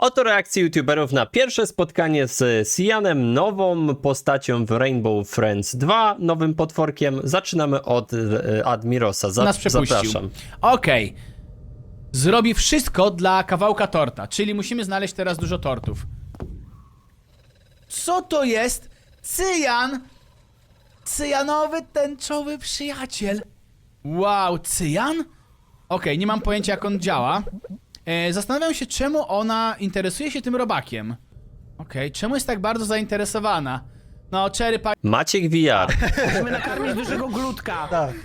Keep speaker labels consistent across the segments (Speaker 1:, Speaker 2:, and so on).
Speaker 1: Oto reakcje youtuberów na pierwsze spotkanie z Cyanem, nową postacią w Rainbow Friends 2, nowym potworkiem. Zaczynamy od Admirosa.
Speaker 2: Nas przepuścił.
Speaker 1: Zapraszam.
Speaker 2: Okej. Zrobi wszystko dla kawałka torta, czyli musimy znaleźć teraz dużo tortów. Co to jest? Cyan! Cyjanowy tęczowy przyjaciel. Wow, Cyan? Okej, nie mam pojęcia jak on działa. Zastanawiam się, czemu ona interesuje się tym robakiem. Okej, czemu jest tak bardzo zainteresowana? No, Cherry Pie...
Speaker 1: Maciek VR
Speaker 3: Musimy nakarmić dużego glutka.
Speaker 4: Tak.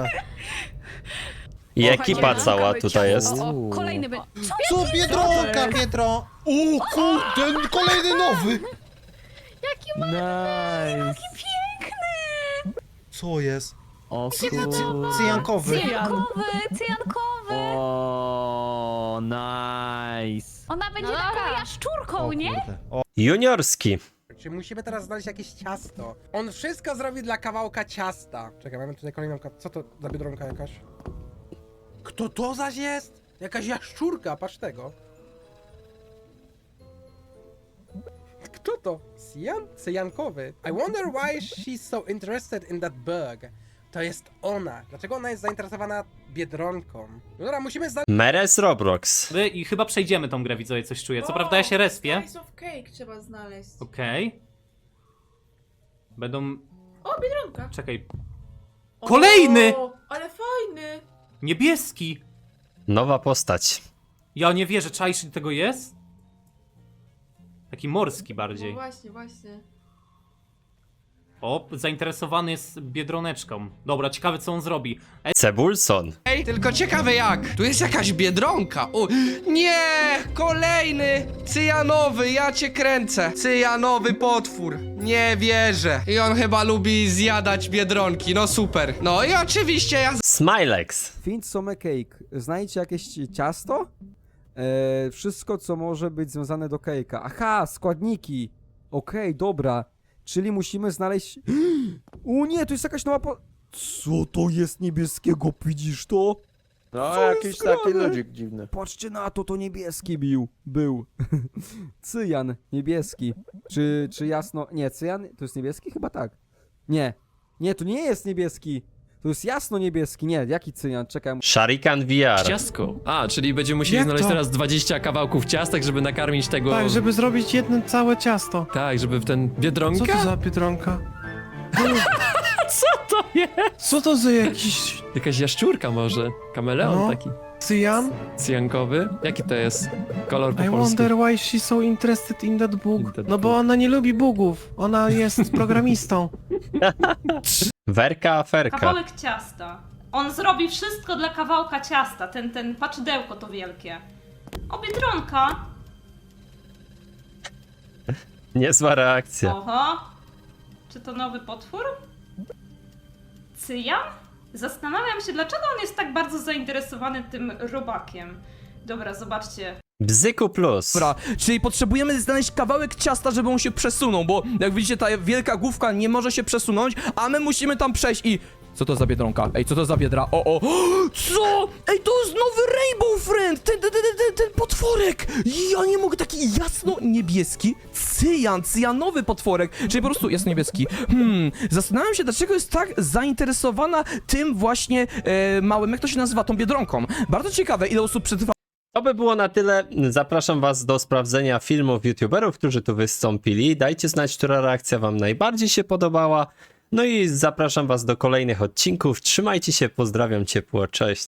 Speaker 1: i ekipa cała tutaj jest.
Speaker 5: O, kolejny by...
Speaker 4: Co, Biedronka, Pietro? O kurde, kolejny nowy!
Speaker 5: Jaki
Speaker 3: Nice.
Speaker 5: piękny!
Speaker 4: Co jest?
Speaker 3: O kurde.
Speaker 4: Cyjankowy.
Speaker 5: Cyjankowy!
Speaker 3: O, nice.
Speaker 5: Ona będzie taką jaszczurką, nie?
Speaker 4: Kurde. O,
Speaker 1: Juniorski.
Speaker 6: Czy musimy teraz znaleźć jakieś ciasto? On wszystko zrobi dla kawałka ciasta. Czekaj, mamy tutaj kolejną... Co to za biedronka jakaś? Kto to zaś jest? Jakaś jaszczurka, patrz tego. Kto to? Cyjankowy. I wonder why she's so interested in that bug. To jest ona. Dlaczego ona jest zainteresowana biedronką? No dobra, musimy znaleźć...
Speaker 1: Meres Roblox.
Speaker 7: I chyba przejdziemy tą grę, widzowie, coś czuję. Co prawda ja się respię.
Speaker 8: Slice of cake trzeba znaleźć.
Speaker 7: Okej. Będą...
Speaker 8: O, biedronka.
Speaker 7: Czekaj. Kolejny!
Speaker 8: O, ale fajny.
Speaker 7: Niebieski!
Speaker 1: Nowa postać.
Speaker 7: Ja nie wierzę, czaisz, ile tego jest? Taki morski
Speaker 8: No
Speaker 7: bardziej.
Speaker 8: właśnie, właśnie.
Speaker 7: O, zainteresowany jest biedroneczką. Dobra, ciekawe co on zrobi.
Speaker 1: Cebulson.
Speaker 9: Ej, tylko ciekawe jak. Tu jest jakaś biedronka. O, nie! Kolejny! Cyjanowy, ja cię kręcę. Cyjanowy potwór. Nie wierzę. I on chyba lubi zjadać biedronki. No super. No i oczywiście ja
Speaker 1: Smilex.
Speaker 10: Find some cake. Znajdźcie jakieś ciasto? Wszystko, co może być związane do cake'a. Aha, składniki. Okej, dobra. Czyli musimy znaleźć... O nie, to jest jakaś nowa Co to jest niebieskiego, widzisz to?
Speaker 4: no
Speaker 10: Co
Speaker 4: jakiś
Speaker 10: jest
Speaker 4: taki
Speaker 10: grane?
Speaker 4: ludzik dziwny.
Speaker 10: Patrzcie na to, to niebieski był. Cyjan, niebieski. Czy jasno... Nie, cyjan to jest niebieski? Chyba tak. Nie, to nie jest niebieski. To jest jasno niebieski. Nie, jaki cyjan? Czekaj.
Speaker 1: Sharikan VR.
Speaker 11: Ciastko. A, czyli będziemy musieli
Speaker 3: Jak
Speaker 11: znaleźć
Speaker 3: to?
Speaker 11: teraz 20 kawałków ciastek, żeby nakarmić tego...
Speaker 3: Tak, żeby zrobić jedno całe ciasto.
Speaker 11: Tak, żeby w ten...
Speaker 3: Co
Speaker 11: Biedronka?
Speaker 3: to za biedronka?
Speaker 11: Co to jest?
Speaker 3: Co to za jakiś
Speaker 11: Jakaś jaszczurka może. Kameleon
Speaker 3: No.
Speaker 11: taki.
Speaker 3: cyjan?
Speaker 11: Cyjankowy. Jaki to jest kolor po
Speaker 3: I
Speaker 11: polsku?
Speaker 3: wonder why she's so interested in that book.
Speaker 11: In that
Speaker 3: No bo
Speaker 11: book.
Speaker 3: ona nie lubi bugów. Ona jest programistą.
Speaker 1: Werka Aferka.
Speaker 8: Kawałek ciasta. On zrobi wszystko dla kawałka ciasta. Ten paczydełko to wielkie. O, biedronka.
Speaker 1: Niezła reakcja.
Speaker 8: Oho. Czy to nowy potwór? Cyjan? Zastanawiam się, dlaczego on jest tak bardzo zainteresowany tym robakiem. Dobra, zobaczcie.
Speaker 1: Bzyku Plus.
Speaker 9: Dobra, czyli potrzebujemy znaleźć kawałek ciasta, żeby on się przesunął, bo jak widzicie ta wielka główka nie może się przesunąć, a my musimy tam przejść i... Co to za biedronka? Ej, co to za biedra? O! Co? Ej, to jest nowy Rainbow Friend! Ten potworek! Ja nie mogę, taki jasno-niebieski cyjanowy potworek, czyli po prostu jasno-niebieski. Zastanawiam się, dlaczego jest tak zainteresowana tym właśnie małym, jak to się nazywa, tą biedronką. Bardzo ciekawe, ile osób przetrwa.
Speaker 1: To by było na tyle. Zapraszam was do sprawdzenia filmów youtuberów, którzy tu wystąpili. Dajcie znać, która reakcja wam najbardziej się podobała. No i zapraszam was do kolejnych odcinków. Trzymajcie się, pozdrawiam ciepło, cześć.